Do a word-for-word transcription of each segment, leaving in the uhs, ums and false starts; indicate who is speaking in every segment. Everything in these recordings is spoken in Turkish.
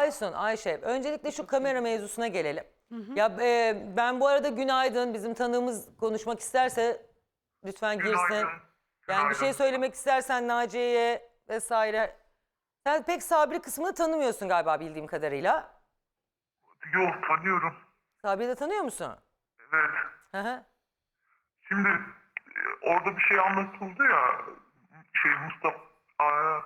Speaker 1: Aysun, Ayşe, öncelikle şu kamera mevzusuna gelelim. Hı hı. Ya e, ben bu arada günaydın, bizim tanığımız konuşmak isterse lütfen girsin.
Speaker 2: Günaydın.
Speaker 1: Yani bir şey söylemek istersen Naciye'ye vesaire. Sen pek Sabri kısmını tanımıyorsun galiba bildiğim kadarıyla.
Speaker 2: Yok, tanıyorum.
Speaker 1: Sabri'yi de tanıyor musun?
Speaker 2: Evet.
Speaker 1: Hı hı.
Speaker 2: Şimdi e, orada bir şey anlatıldı ya, şey Mustafa Aa,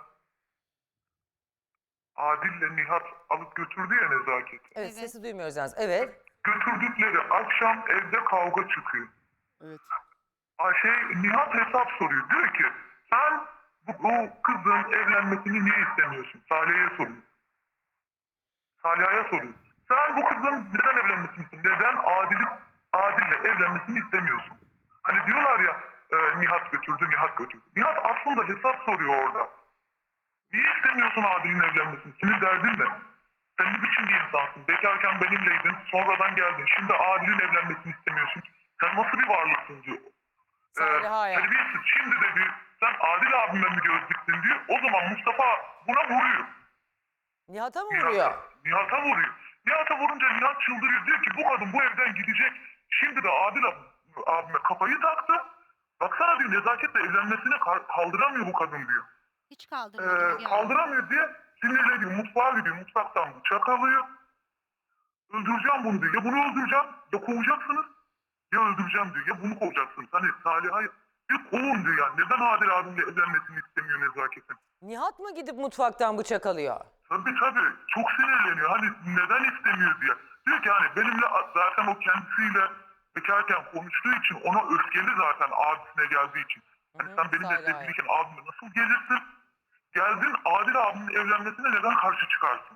Speaker 2: Adil'le Nihat alıp götürdü ya Nezaket.
Speaker 1: Evet,
Speaker 3: Evet.
Speaker 1: sesi duymuyoruz yalnız. Evet.
Speaker 2: Götürdükleri akşam evde kavga çıkıyor.
Speaker 4: Evet.
Speaker 2: Aa, şey Nihat hesap soruyor. Diyor ki sen bu, bu kızın evlenmesini niye istemiyorsun? Salih'e soruyor. Salih'e soruyor. Sen bu kızın neden evlenmesini istiyorsun? Neden Adil'i, Adil'le evlenmesini istemiyorsun? Hani diyorlar ya e, Nihat götürdü, Nihat götürdü. Nihat aslında hesap soruyor orada. Niye istemiyorsun Adil'in evlenmesini? Senin derdin ne? Sen ne biçim bir insansın? Bekarken benimleydin, sonradan geldin. Şimdi Adil'in evlenmesini istemiyorsun. Sen nasıl bir varlıksın diyor.
Speaker 1: Saliha'ya.
Speaker 2: Ee, terbiyesiz. Şimdi de diyor, sen Adil abime mi göz diktin diyor. O zaman Mustafa buna vuruyor.
Speaker 1: Nihat'a mı
Speaker 2: Nihat'a,
Speaker 1: vuruyor?
Speaker 2: Nihat'a vuruyor. Nihat'a vurunca Nihat çıldırıyor. Diyor ki bu kadın bu evden gidecek. Şimdi de Adil ab- abime kafayı taktı. Baksana diyor nezaketle evlenmesine kal- kaldıramıyor bu kadın diyor.
Speaker 3: Hiç kaldırmadım.
Speaker 2: Ee, kaldıramıyor diye sinirle diyor mutfağa gidiyor. Mutfaktan bıçak alıyor. Öldüreceğim bunu diyor. Ya bunu öldüreceğim ya kovacaksınız. Ya öldüreceğim diyor. Ya bunu kovacaksınız. Hani Salih'a ya kovun diyor yani. Neden Adil abimle evlenmesini istemiyor nezaketin?
Speaker 1: Nihat mı gidip mutfaktan bıçak alıyor?
Speaker 2: Tabii tabii. Çok sinirleniyor. Hani neden istemiyor diye. Diyor ki hani benimle zaten o kendisiyle bekarken konuştuğu için ona öfkeli zaten abisine geldiği için. Hani
Speaker 1: Hı hı,
Speaker 2: sen benimle
Speaker 1: Salih'e.
Speaker 2: sevgiliyken abime nasıl gelirsin? Geldin Adil abimin evlenmesine neden karşı çıkarsın?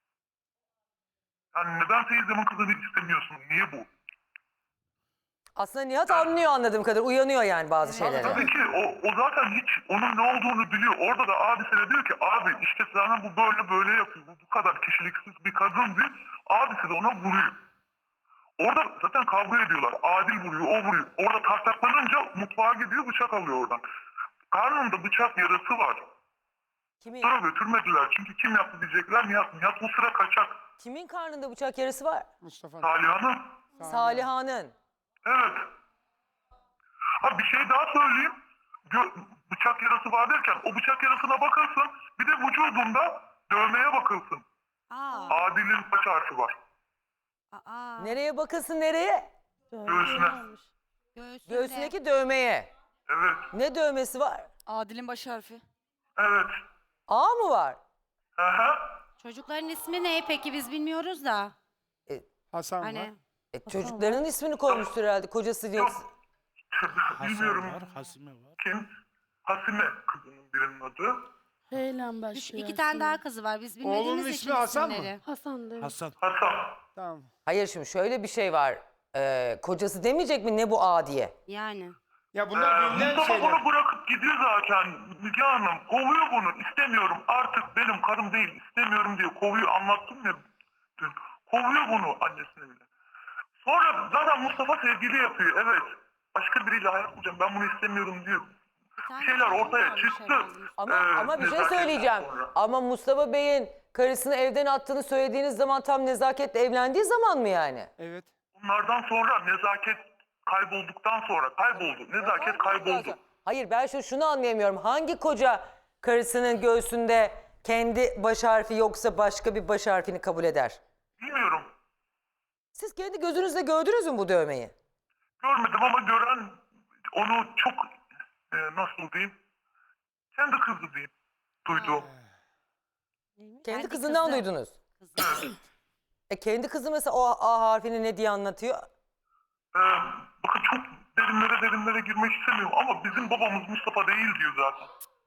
Speaker 2: Yani neden teyzemin kızını istemiyorsun? Niye bu?
Speaker 1: Aslında Nihat anlıyor anladığım kadar. Uyanıyor yani bazı şeylere.
Speaker 2: Tabii ki o, o zaten hiç onun ne olduğunu biliyor. Orada da abisine diyor ki abi işte sana bu böyle böyle yapıyor. Bu, bu kadar kişiliksiz bir kadın diyor. Abisi de ona vuruyor. Orada zaten kavga ediyorlar. Adil vuruyor, o vuruyor. Orada tartaklanınca mutfağa gidiyor bıçak alıyor oradan. Karnında bıçak yarası var.
Speaker 1: Kimin,
Speaker 2: Sonra götürmediler. Çünkü kim yaptı diyecekler. Nihat, Nihat bu sıra kaçak.
Speaker 1: kimin karnında bıçak yarası var?
Speaker 4: Mustafa.
Speaker 2: Saliha'nın.
Speaker 1: Saliha'nın.
Speaker 2: Evet. Ha bir şey daha söyleyeyim. Gö- bıçak yarası var derken o bıçak yarasına bakılsın. Bir de vücudunda dövmeye bakılsın.
Speaker 3: Aa.
Speaker 2: Adil'in baş harfi var.
Speaker 3: Aa.
Speaker 1: Nereye bakılsın nereye?
Speaker 2: Göğsüne.
Speaker 3: Göğsünde.
Speaker 1: Göğsündeki dövmeye.
Speaker 2: Evet.
Speaker 1: Ne dövmesi var?
Speaker 5: Adil'in baş harfi.
Speaker 2: Evet.
Speaker 1: A mı var?
Speaker 2: Hı hı.
Speaker 3: Çocukların ismi ne peki biz bilmiyoruz da.
Speaker 4: Hasan var.
Speaker 3: Hani
Speaker 1: E, çocuklarının ismini koymuştur herhalde. Kocası yoksa.
Speaker 2: Bilmiyorum
Speaker 6: Hasan var, Hasime var.
Speaker 2: kim. Hasime kızının birinin adı.
Speaker 7: Heyle
Speaker 3: üç,
Speaker 7: başlıyor.
Speaker 3: iki tane daha kızı var biz bilmediğimiz
Speaker 4: Oğlunun
Speaker 3: için
Speaker 4: ismi Hasan mı?
Speaker 3: isimleri.
Speaker 7: Hasan'dı.
Speaker 6: Hasan.
Speaker 2: Hasan.
Speaker 4: Tamam.
Speaker 1: Hayır şimdi şöyle bir şey var. Ee, kocası demeyecek mi ne bu A diye?
Speaker 3: Yani.
Speaker 4: Ya
Speaker 2: Ee,
Speaker 4: bunlar bilinen
Speaker 2: Mustafa
Speaker 4: şeyler.
Speaker 2: bunu bırakıp gidiyor zaten. Müge Hanım kovuyor bunu. İstemiyorum. Artık benim karım değil. İstemiyorum diye kovuyor. Anlattım ya dün. Kovuyor bunu annesine bile. Sonra zaten Mustafa sevgili yapıyor. Evet. Başka biriyle hayat kuracağım. Ben bunu istemiyorum diyor.
Speaker 3: Bir tane
Speaker 2: Bir şeyler
Speaker 3: çocuğu
Speaker 2: ortaya
Speaker 3: varmış
Speaker 2: çıktı.
Speaker 3: herhalde.
Speaker 1: Ama
Speaker 2: Ee,
Speaker 1: ama bir şey
Speaker 2: nezaketten
Speaker 1: söyleyeceğim.
Speaker 2: sonra.
Speaker 1: Ama Mustafa Bey'in karısını evden attığını söylediğiniz zaman tam nezaketle evlendiği zaman mı yani?
Speaker 4: Evet.
Speaker 2: Bunlardan sonra nezaket kaybolduktan sonra kayboldu. Nezaket kayboldu.
Speaker 1: Hayır ben şu şunu anlayamıyorum. Hangi koca karısının göğsünde kendi baş harfi yoksa başka bir baş harfini kabul eder?
Speaker 2: Bilmiyorum.
Speaker 1: Siz kendi gözünüzle gördünüz mü bu dövmeyi?
Speaker 2: Görmedim ama gören onu çok e, nasıl diyeyim? Kendi kızı diyeyim. Duydu.
Speaker 1: Kendi
Speaker 3: Kendi
Speaker 1: kızından
Speaker 3: kızı.
Speaker 1: duydunuz.
Speaker 3: Kızı.
Speaker 1: E kendi kızı mesela o A harfini ne diye anlatıyor?
Speaker 2: Ee, bakın çok derinlere derinlere girmek istemiyorum ama bizim babamız Mustafa değil diyor zaten.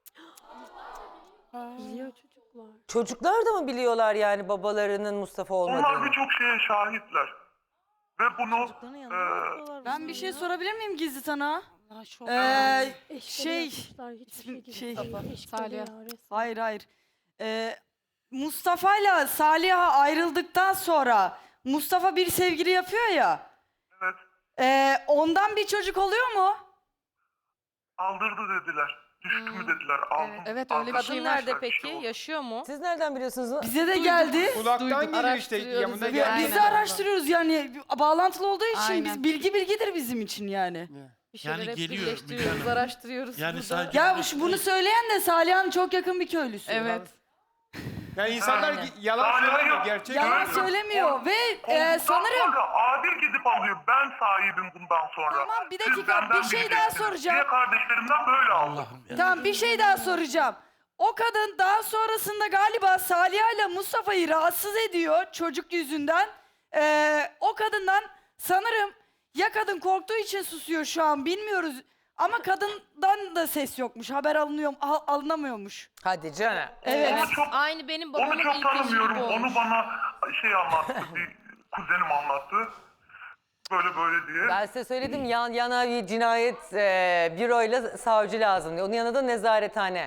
Speaker 7: Biliyor çocuklar.
Speaker 1: Çocuklar da mı biliyorlar yani babalarının Mustafa
Speaker 2: Onlar
Speaker 1: olmadığını?
Speaker 2: birçok şeye şahitler. Ve bunu e,
Speaker 5: Ben bir şey sorabilir miyim gizli tanığa?
Speaker 3: Allah çok.
Speaker 5: Ee,
Speaker 7: Eşkali
Speaker 5: şey,
Speaker 7: yapmışlar, hiçbir
Speaker 5: ismi-
Speaker 7: şey,
Speaker 5: şey,
Speaker 7: şey
Speaker 5: Salih.
Speaker 7: ya, resmen.
Speaker 5: Hayır hayır. Ee, Mustafa ile Salih'a ayrıldıktan sonra Mustafa bir sevgili yapıyor ya.
Speaker 2: evet
Speaker 5: ee, ondan bir çocuk oluyor mu?
Speaker 2: aldırdı dediler. Düştü mü dediler. Aldım.
Speaker 4: Evet, öyle bir
Speaker 2: aldım.
Speaker 4: şey
Speaker 6: Kadın
Speaker 4: var.
Speaker 6: nerede
Speaker 2: Bir
Speaker 6: peki?
Speaker 2: şey oldu.
Speaker 6: Yaşıyor mu?
Speaker 1: Siz nereden biliyorsunuz?
Speaker 5: Bize de geldi.
Speaker 8: Kulaktan geliyor işte
Speaker 6: Araştırıyoruz
Speaker 8: yanında
Speaker 6: evet.
Speaker 5: Ya
Speaker 8: geldi.
Speaker 5: biz de araştırıyoruz yani bağlantılı olduğu için
Speaker 4: Aynen.
Speaker 5: biz bilgi bilgidir bizim için yani.
Speaker 6: Bir şeyler
Speaker 9: Yani
Speaker 6: hep
Speaker 9: geliyor
Speaker 6: birleştiriyoruz,
Speaker 9: Müge Hanım.
Speaker 6: araştırıyoruz.
Speaker 9: Yani
Speaker 6: burada.
Speaker 9: sadece-
Speaker 5: Ya şu- bunu söyleyen de Saliha'nın çok yakın bir köylüsü.
Speaker 4: Evet.
Speaker 8: Yani insanlar
Speaker 6: Aynen.
Speaker 8: gi- yalan
Speaker 2: Aynen.
Speaker 8: söylemiyor. Gerçek
Speaker 5: Yalan
Speaker 8: söylüyor.
Speaker 5: söylemiyor ve e,
Speaker 2: Ondan
Speaker 5: sanırım
Speaker 2: sonra Adil gidip alıyor. Ben sahibim bundan sonra.
Speaker 5: Tamam, bir
Speaker 2: Siz
Speaker 5: dakika,
Speaker 2: benden
Speaker 5: bir şey daha
Speaker 2: bileceksiniz
Speaker 5: soracağım.
Speaker 2: diye kardeşlerimden böyle aldım.
Speaker 9: Allah'ım ya.
Speaker 5: tamam bir şey daha soracağım. O kadın daha sonrasında galiba Saliha ile Mustafa'yı rahatsız ediyor çocuk yüzünden. Ee, o kadından sanırım ya kadın korktuğu için susuyor şu an bilmiyoruz. Ama kadından da ses yokmuş. Haber alınıyor, al- alınamıyormuş.
Speaker 1: Hadi canım.
Speaker 5: Evet.
Speaker 2: Onu çok,
Speaker 6: Aynı benim
Speaker 2: onu
Speaker 6: babamın
Speaker 2: çok
Speaker 6: ilk eşi
Speaker 2: tanımıyorum.
Speaker 6: gibi
Speaker 2: Onu
Speaker 6: olmuş.
Speaker 2: bana şey anlattı. Bir kuzenim anlattı. Böyle böyle diye.
Speaker 1: Ben size söyledim yan yana bir cinayet e, büroyla savcı lazım diye. Onun yanında da nezarethane.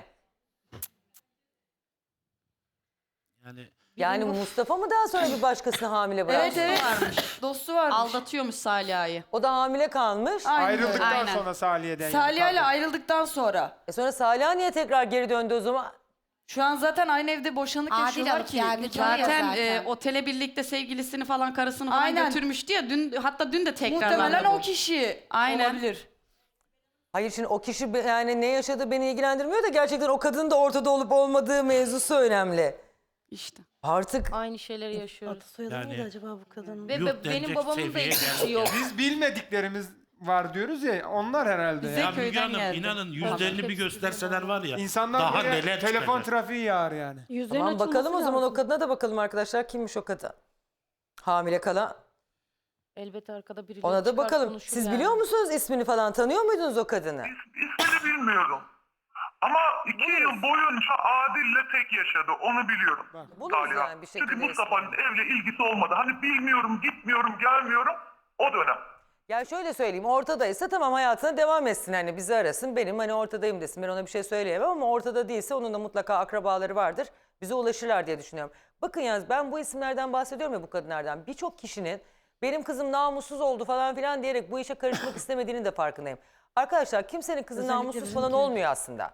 Speaker 9: Yani
Speaker 1: Yani Mustafa mı daha sonra bir başkasını hamile bıraktı?
Speaker 5: Evet evet. Dostu varmış.
Speaker 4: Aldatıyormuş Saliha'yı.
Speaker 1: O da hamile kalmış.
Speaker 5: Aynen öyle.
Speaker 8: Ayrıldıktan
Speaker 4: Aynen.
Speaker 8: sonra Salih'den.
Speaker 5: Saliha ile
Speaker 8: yani.
Speaker 5: ayrıldıktan sonra.
Speaker 1: E sonra Salih niye tekrar geri döndü o zaman?
Speaker 5: Şu an zaten aynı evde boşanık
Speaker 3: Adil
Speaker 5: yaşıyorlar
Speaker 3: alıp
Speaker 5: ki.
Speaker 3: geldi.
Speaker 5: nikah-
Speaker 4: Zaten,
Speaker 3: zaten.
Speaker 4: e, otele birlikte sevgilisini falan karısını falan
Speaker 5: Aynen.
Speaker 4: götürmüştü ya. Dün, hatta dün de tekrarlandı
Speaker 5: Muhtemelen
Speaker 4: bu.
Speaker 5: o kişi
Speaker 4: Aynen.
Speaker 5: olabilir.
Speaker 1: Hayır şimdi o kişi be- yani ne yaşadığı beni ilgilendirmiyor da gerçekten o kadının da ortada olup olmadığı mevzusu önemli.
Speaker 4: İşte.
Speaker 1: Artık
Speaker 6: Aynı şeyleri yaşıyoruz.
Speaker 7: Adı soyadı
Speaker 9: Yani-
Speaker 7: neydi acaba bu kadının?
Speaker 6: Ve
Speaker 9: Yuh
Speaker 6: be- benim
Speaker 9: denecek
Speaker 6: babamın da
Speaker 9: seviyeye
Speaker 6: hiç
Speaker 9: geldik
Speaker 6: işi yok.
Speaker 8: Biz bilmediklerimiz var diyoruz ya onlar herhalde.
Speaker 4: Bize
Speaker 8: ya.
Speaker 9: ya Müge
Speaker 4: köyden
Speaker 9: Hanım
Speaker 4: geldi.
Speaker 9: inanın yüzlerini bir gösterseler var ya.
Speaker 8: İnsanlar
Speaker 9: daha
Speaker 8: böyle
Speaker 9: neler
Speaker 8: telefon
Speaker 9: çıkacak.
Speaker 8: trafiği yağar yani.
Speaker 7: Yüzlerin
Speaker 1: tamam bakalım o
Speaker 7: açılması
Speaker 1: zaman o
Speaker 7: lazım.
Speaker 1: kadına da bakalım arkadaşlar. Kimmiş o kadın? Hamile kalan.
Speaker 6: Elbette arkada birileri
Speaker 1: Ona da
Speaker 6: çıkar,
Speaker 1: bakalım.
Speaker 6: konuşur
Speaker 1: Siz
Speaker 6: yani.
Speaker 1: biliyor musunuz ismini falan? Tanıyor muydunuz o kadını?
Speaker 2: İs- İsmini bilmiyorum. Ama iki yıl boyunca Adil'le tek yaşadı. Onu biliyorum.
Speaker 1: Buluruz
Speaker 2: Salih.
Speaker 1: yani bir şekilde
Speaker 2: Çünkü Mustafa'nın evle ilgisi olmadı. Hani bilmiyorum, gitmiyorum, gelmiyorum. O dönem.
Speaker 1: Ya şöyle söyleyeyim ortadaysa tamam hayatına devam etsin hani bizi arasın benim hani ortadayım desin ben ona bir şey söyleyemem ama ortada değilse onun da mutlaka akrabaları vardır bize ulaşırlar diye düşünüyorum. Bakın yalnız ben bu isimlerden bahsediyorum ya bu kadınlardan birçok kişinin benim kızım namussuz oldu falan filan diyerek bu işe karışmak istemediğinin de farkındayım. Arkadaşlar kimsenin kızı
Speaker 7: Özellikle
Speaker 1: namussuz falan
Speaker 7: bizimki.
Speaker 1: olmuyor aslında.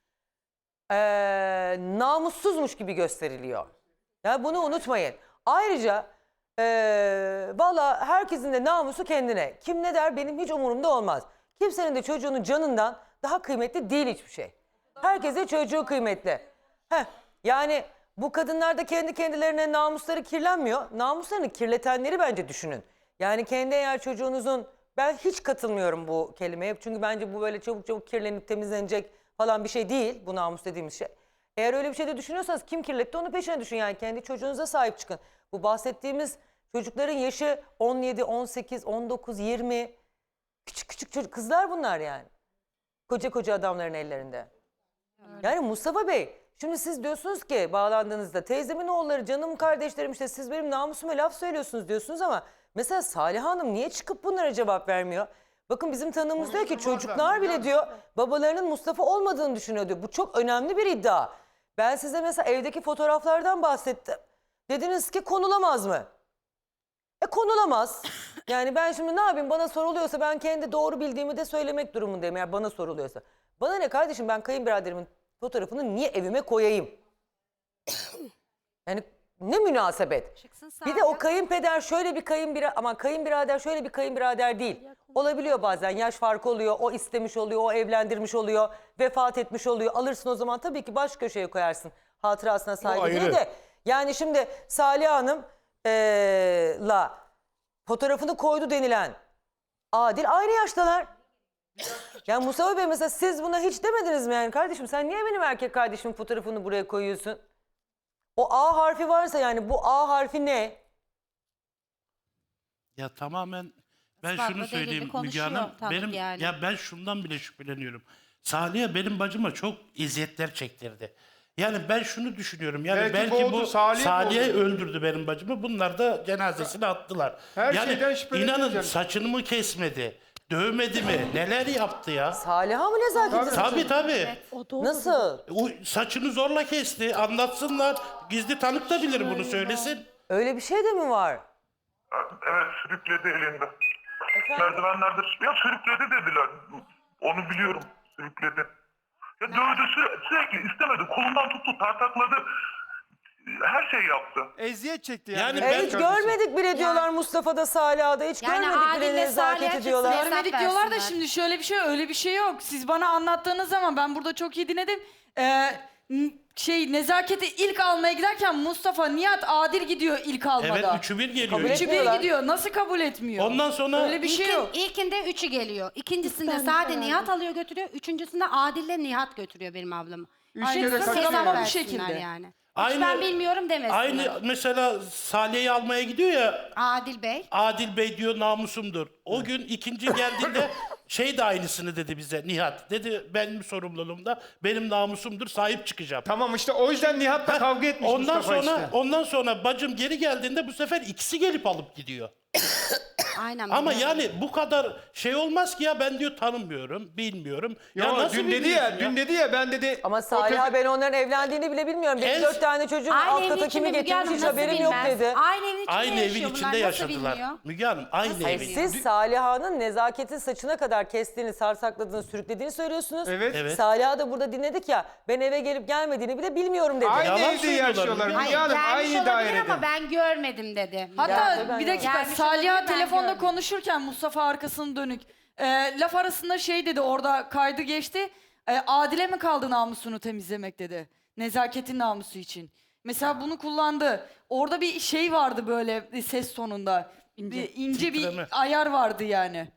Speaker 1: Ee, namussuzmuş gibi gösteriliyor. Ya bunu unutmayın. Ayrıca ee, valla herkesin de namusu kendine. Kim ne der benim hiç umurumda olmaz. Kimsenin de çocuğunun canından daha kıymetli değil hiçbir şey. Herkese çocuğu kıymetli. Heh, yani bu kadınlar da kendi kendilerine namusları kirlenmiyor. Namuslarını kirletenleri bence düşünün. Yani kendi eğer çocuğunuzun ben hiç katılmıyorum bu kelimeye. Çünkü bence bu böyle çabuk çabuk kirlenip temizlenecek falan bir şey değil. Bu namus dediğimiz şey. Eğer öyle bir şey de düşünüyorsanız kim kirletti onu peşine düşün. Yani kendi çocuğunuza sahip çıkın. Bu bahsettiğimiz çocukların yaşı on yedi, on sekiz, on dokuz, yirmi. Küçük küçük çocuk kızlar bunlar yani. Koca koca adamların ellerinde. Yani Mustafa Bey şimdi siz diyorsunuz ki bağlandığınızda teyzemin oğulları canım kardeşlerim işte siz benim namusuma laf söylüyorsunuz diyorsunuz ama mesela Salih Hanım niye çıkıp bunlara cevap vermiyor? Bakın bizim tanığımız diyor ki çocuklar bile diyor babalarının Mustafa olmadığını düşünüyor diyor. Bu çok önemli bir iddia. Ben size mesela evdeki fotoğraflardan bahsettim. Dediniz ki konulamaz mı? E konulamaz. Yani ben şimdi ne yapayım bana soruluyorsa ben kendi doğru bildiğimi de söylemek durumundayım eğer bana soruluyorsa. Bana ne kardeşim ben kayınbiraderimin fotoğrafını niye evime koyayım? Yani ne münasebet.
Speaker 3: Çıksın
Speaker 1: Bir de o
Speaker 3: Salih.
Speaker 1: kayınpeder şöyle bir kayınbirader ama kayınbirader şöyle bir kayınbirader değil. Olabiliyor bazen yaş farkı oluyor, o istemiş oluyor, o evlendirmiş oluyor, vefat etmiş oluyor. Alırsın o zaman tabii ki baş köşeye koyarsın hatırasına saygı diye de. Yani şimdi Salih Hanım eee, la fotoğrafını koydu denilen Adil aynı yaştalar. Yani Mustafa Bey mesela siz buna hiç demediniz mi yani kardeşim sen niye benim erkek kardeşimin fotoğrafını buraya koyuyorsun? O A harfi varsa yani bu A harfi ne?
Speaker 9: Ya tamamen ben
Speaker 3: Ispatla
Speaker 9: şunu
Speaker 3: delili
Speaker 9: söyleyeyim Müge
Speaker 3: konuşuyor
Speaker 9: Hanım.
Speaker 3: tanık
Speaker 9: Benim
Speaker 3: yani.
Speaker 9: ya ben şundan bile şüpheleniyorum. Salih'e benim bacıma çok eziyetler çektirdi. Yani ben şunu düşünüyorum. Yani
Speaker 8: Belki
Speaker 9: belki,
Speaker 8: boğdu,
Speaker 9: bu
Speaker 8: Salih
Speaker 9: Salih'e
Speaker 8: boğdu.
Speaker 9: öldürdü benim bacımı. Bunlar da cenazesini attılar.
Speaker 8: Her
Speaker 9: yani
Speaker 8: şeyden şüpheleniyor
Speaker 9: inanın
Speaker 8: canım.
Speaker 9: saçını mı kesmedi? Dövmedi mi? Neler yaptı ya?
Speaker 1: Salih'a mı nezaket
Speaker 9: Tabii tabii.
Speaker 7: O doğru.
Speaker 1: Nasıl?
Speaker 9: O saçını zorla kesti. Anlatsınlar. Gizli tanık da bilir bunu söylesin.
Speaker 1: Öyle bir şey de mi var?
Speaker 2: Evet, sürükledi elinde.
Speaker 1: Efendim?
Speaker 2: Merdivenlerde ya sürükledi dediler. Onu biliyorum, sürükledi. Ya dövdü, süre- sürekli istemedi. Kolundan tuttu, tartakladı. Her şey yaptı.
Speaker 8: Eziyet çekti yani.
Speaker 9: Yani
Speaker 1: E,
Speaker 9: ben-
Speaker 1: hiç görmedik bile diyorlar Mustafa'da, Saliha'da. Hiç
Speaker 3: Yani
Speaker 1: görmedik bile
Speaker 3: Adil'le
Speaker 1: nezaketi
Speaker 3: Salih'e
Speaker 1: diyorlar.
Speaker 3: çıksın.
Speaker 5: Görmedik
Speaker 3: Hesap
Speaker 5: diyorlar da
Speaker 3: versinler.
Speaker 5: şimdi şöyle bir şey öyle bir şey yok. Siz bana anlattığınız zaman ben burada çok iyi dinledim. Ee, n- şey nezaketi ilk almaya giderken Mustafa, Nihat, Adil gidiyor ilk almada.
Speaker 9: Evet üçü bir geliyor.
Speaker 1: Kabul
Speaker 5: Üçü
Speaker 1: etmiyorlar.
Speaker 5: bir gidiyor. Nasıl kabul etmiyor?
Speaker 9: Ondan sonra
Speaker 5: Öyle bir şey
Speaker 3: İlkin-
Speaker 5: yok.
Speaker 3: İlkinde üçü geliyor. İkincisinde
Speaker 7: tane
Speaker 3: sade
Speaker 7: falan.
Speaker 3: Nihat alıyor götürüyor. Üçüncüsünde Adil'le Nihat götürüyor benim ablamı.
Speaker 8: Üç
Speaker 5: Aynen,
Speaker 8: kere
Speaker 5: hesap
Speaker 8: kaçırıyor.
Speaker 5: versinler
Speaker 3: Hesap
Speaker 5: bu
Speaker 3: versinler
Speaker 5: şekilde.
Speaker 3: yani.
Speaker 9: Aynı-
Speaker 3: Hiç ben bilmiyorum demesinler.
Speaker 9: aynı mesela Salih'i almaya gidiyor ya,
Speaker 3: Adil Bey.
Speaker 9: Adil Bey diyor namusumdur. O gün ikinci geldiğinde şey de aynısını dedi bize Nihat. Dedi benim sorumluluğumda, benim namusumdur, sahip çıkacağım.
Speaker 8: Tamam işte o yüzden Nihat'la kavga etmiş
Speaker 9: Ondan
Speaker 8: Mustafa
Speaker 9: sonra
Speaker 8: işte.
Speaker 9: ondan sonra bacım geri geldiğinde bu sefer ikisi gelip alıp gidiyor.
Speaker 3: Aynen.
Speaker 9: Ama
Speaker 3: biliyorum.
Speaker 9: yani bu kadar şey olmaz ki ya, ben diyor tanımıyorum, bilmiyorum.
Speaker 8: Yo,
Speaker 9: ya nasıl
Speaker 8: dün dedi
Speaker 9: bilmiyorsun
Speaker 8: ya, dün dedi ya ben dedi.
Speaker 1: Ama
Speaker 8: o
Speaker 1: Saliha
Speaker 8: köpek-
Speaker 1: ben onların evlendiğini bile bilmiyorum. Benim
Speaker 9: En-
Speaker 1: dört tane çocuğum
Speaker 3: Aynı
Speaker 1: alt
Speaker 3: evin
Speaker 1: kata
Speaker 3: içinde
Speaker 1: kimi
Speaker 3: Müge Hanım
Speaker 1: getirmiş hiç
Speaker 3: nasıl
Speaker 1: haberim yok
Speaker 3: bilmez?
Speaker 1: dedi.
Speaker 3: Aynı evin içinde
Speaker 9: Aynı evin
Speaker 3: yaşıyor
Speaker 9: içinde
Speaker 3: bunlar, nasıl
Speaker 9: yaşadılar.
Speaker 3: bilmiyor?
Speaker 9: Müge Hanım aynı
Speaker 3: Nasıl
Speaker 9: evin.
Speaker 3: bilmiyor?
Speaker 1: Siz Saliha'nın nezaketin saçına kadar kestiğini, sarsakladığını, sürüklediğini söylüyorsunuz.
Speaker 8: Evet.
Speaker 9: Evet.
Speaker 1: Saliha da burada dinledik ya, ben eve gelip gelmediğini bile bilmiyorum dedi.
Speaker 8: Aynı
Speaker 9: Yalan
Speaker 8: evde
Speaker 9: söylüyorlar,
Speaker 8: yaşıyorlar.
Speaker 9: Müge
Speaker 8: Müge
Speaker 3: Hayır,
Speaker 8: Hanım
Speaker 3: gelmiş
Speaker 8: aynı
Speaker 3: olabilir
Speaker 8: dairede.
Speaker 3: ama ben görmedim dedi.
Speaker 5: Hatta
Speaker 1: Ya, ben
Speaker 5: bir
Speaker 1: de-
Speaker 5: dakika
Speaker 3: Gelmiş
Speaker 5: Saliha
Speaker 3: olabilir, ben
Speaker 5: telefonda
Speaker 3: gördüm.
Speaker 5: konuşurken Mustafa arkasını dönük. Ee, laf arasında şey dedi, orada kaydı geçti. Ee, Adile mi kaldı namusunu temizlemek dedi. Nezaketin namusu için. Mesela bunu kullandı. Orada bir şey vardı böyle bir ses tonunda. Bir ince
Speaker 9: Titreme.
Speaker 5: bir ayar vardı yani.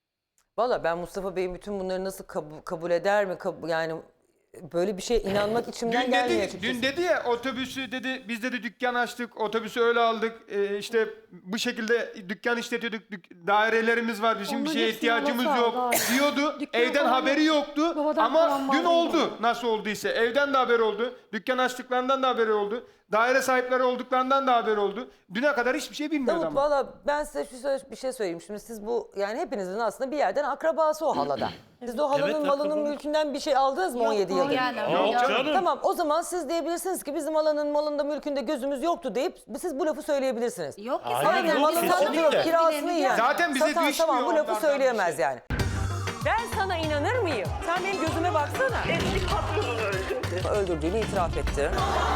Speaker 1: Valla ben Mustafa Bey'in bütün bunları nasıl kabul, kabul eder mi? Kab- yani böyle bir şeye inanmak içimden
Speaker 8: Dün
Speaker 1: gelmiyor
Speaker 8: dedi,
Speaker 1: açıkçası.
Speaker 8: dün dedi ya otobüsü dedi biz dedi dükkan açtık, otobüsü öyle aldık, ee, işte bu şekilde dükkan işletiyorduk, dük- dairelerimiz var, bizim bir
Speaker 7: Onların
Speaker 8: şeye
Speaker 7: hepsini
Speaker 8: ihtiyacımız
Speaker 7: alasa
Speaker 8: yok
Speaker 7: aldı.
Speaker 8: diyordu.
Speaker 7: Dükkan
Speaker 8: Evden
Speaker 7: falan
Speaker 8: haberi
Speaker 7: yok.
Speaker 8: yoktu
Speaker 7: Babadan
Speaker 8: ama
Speaker 7: kalan
Speaker 8: dün
Speaker 7: vardı
Speaker 8: oldu nasıl olduysa. Evden de haberi oldu, dükkan açtıklarından da haberi oldu, daire sahipleri olduklarından da haberi oldu. Düne kadar hiçbir şey bilmiyordu
Speaker 1: Davut
Speaker 8: ama.
Speaker 1: valla ben size şu söz- bir şey söyleyeyim. Şimdi siz bu yani hepinizin aslında bir yerden akrabası o halada. Siz de o halanın
Speaker 9: Evet,
Speaker 1: malının
Speaker 9: akraba.
Speaker 1: mülkünden bir şey aldınız mı on yedi yıldır?
Speaker 3: Yani,
Speaker 9: Yok
Speaker 3: yok.
Speaker 9: canım.
Speaker 1: Tamam o zaman siz diyebilirsiniz ki bizim halanın malında mülkünde gözümüz yoktu deyip siz bu lafı söyleyebilirsiniz.
Speaker 3: Yok ki
Speaker 9: Hayır,
Speaker 3: zaten.
Speaker 1: Aynen
Speaker 9: yok,
Speaker 1: malını
Speaker 3: Biz
Speaker 9: kesinlikle.
Speaker 1: satıyor, kirasını
Speaker 3: Bile-
Speaker 1: yiyen.
Speaker 8: Zaten bize
Speaker 1: Satan,
Speaker 8: düşmüyor
Speaker 1: tamam bu lafı
Speaker 8: onlardan
Speaker 1: söyleyemez
Speaker 8: bir şey.
Speaker 1: yani. Ben sana inanır mıyım? Sen benim gözüme baksana.
Speaker 10: Eski patronunu öldürdü.
Speaker 1: Öldürdüğünü itiraf etti.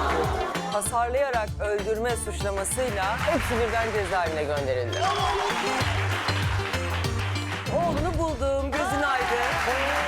Speaker 1: Hasarlayarak öldürme suçlamasıyla hepsi birden cezaevine gönderildi. Oğlunu buldum, gözün aydın.